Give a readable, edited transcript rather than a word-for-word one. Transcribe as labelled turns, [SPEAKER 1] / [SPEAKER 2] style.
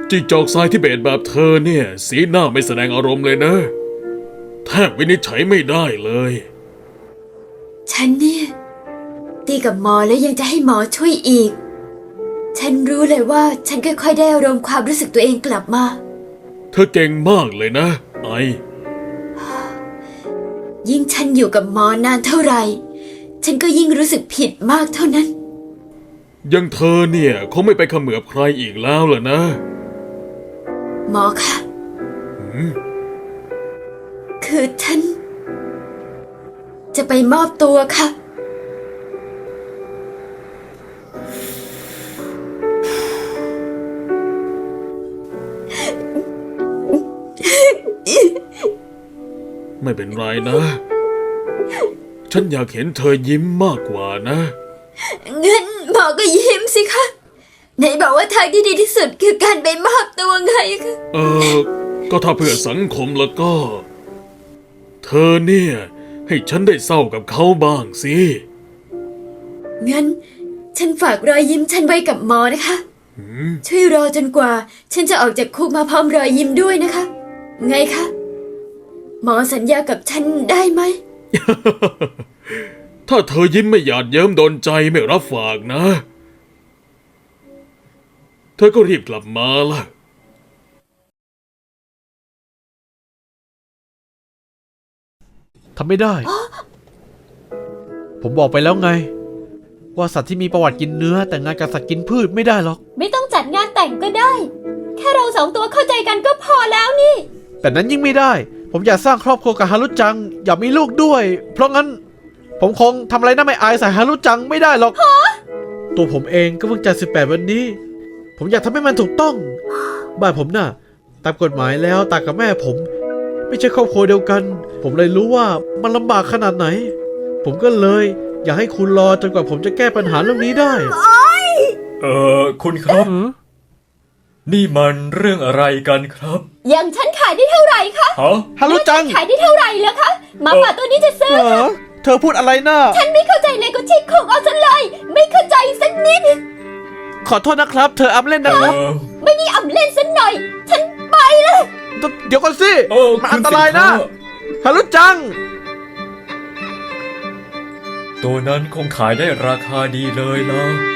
[SPEAKER 1] จิ้งจอกทรายทิเบตแบบเธอเนี่ยสีหน้าไม่แสดงอารมณ์เลยนะแทบวินิจฉัยไม่ได้เลย
[SPEAKER 2] ฉันเนี่ยตีกับหมอแล้วยังจะให้หมอช่วยอีกฉันรู้เลยว่าฉันค่อยๆได้อารมณ์ความรู้สึกตัวเองกลับมา
[SPEAKER 1] เธอเก่งมากเลยนะไอ
[SPEAKER 2] ยิ่งฉันอยู่กับหมอนานเท่าไหร่ฉันก็ยิ่งรู้สึกผิดมากเท่านั้น
[SPEAKER 1] ยังเธอเนี่ยคงไม่ไปเขมือบใครอีกแล้วล่ะนะ
[SPEAKER 2] หมอคะคือฉันจะไปมอบตัวค่ะ
[SPEAKER 1] ไม่เป็นไรนะฉันอยากเห็นเธอยิ้มมากกว่านะ
[SPEAKER 2] งั้นหมอก็ยิ้มสิคะไหนบอกว่าทางที่ดีที่สุดคือการไปมอบตัวไงคะ
[SPEAKER 1] ก็ถ้าเพื่อสังคมแล้วก็เธอเนี่ยให้ฉันได้เศร้ากับเขาบ้างสิ
[SPEAKER 2] งั้นฉันฝากรอยยิ้มฉันไว้กับหมอนะคะช่วยรอจนกว่าฉันจะออกจากคุกมาพร้อมรอยยิ้มด้วยนะคะไงคะหมอสัญญากับฉันได้ไหม
[SPEAKER 1] ถ้าเธอยิ้มไม่หยาดเยิ้มโดนใจไม่รับฝากนะเธอก็รีบกลับมาล่ะ
[SPEAKER 3] ทำไม่ได้ ผมบอกไปแล้วไงว่าสัตว์ที่มีประวัติกินเนื้อแต่งงานกับสัตว์กินพืชไม่ได้หรอก
[SPEAKER 2] ไม่ต้องจัดงานแต่งก็ได้แค่เราสองตัวเข้าใจกันก็พอแล้วนี่
[SPEAKER 3] แต่นั้นยิ่งไม่ได้ผมอยากสร้างครอบครัวกับฮารุจังอยากมีลูกด้วยเพราะงั้นผมคงทำอะไรน่าไม่อายใส่ฮารุจังไม่ได้หรอกตัวผมเองก็เพิ่งจะ18วันนี้ผมอยากทำให้มันถูกต้องบ้านผมน่ะตามกฎหมายแล้วตากับแม่ผมไม่ใช่ครอบครัวเดียวกันผมเลยรู้ว่ามันลำบากขนาดไหนผมก็เลยอยากให้คุณรอจนกว่าผมจะแก้ปัญหาเรื่องนี้ได้
[SPEAKER 4] คุณครับนี่มันเรื่องอะไรกันครับ
[SPEAKER 2] อย่างฉันขายได้เท่าไหร่คะ
[SPEAKER 3] ฮารุจัง
[SPEAKER 2] ขายได้เท่าไหร่เหรอคะหมาป่าตัวนี้จะซื้อค่ะ
[SPEAKER 3] เธอพูดอะไรน่ะ
[SPEAKER 2] ฉันไม่เข้าใจเลยก็ชิคของเอาซะเลยไม่เข้าใจสักนิด
[SPEAKER 3] ขอโทษนะครับเธออำเล่นนะครับ
[SPEAKER 2] ไม่ได้อำเล่นสักหน่อยฉันไปเลย
[SPEAKER 3] เดี๋ยวก่อนสิมันอันตรายนะฮารุจัง
[SPEAKER 4] ตัวนั้นคงขายได้ราคาดีเลยล่ะ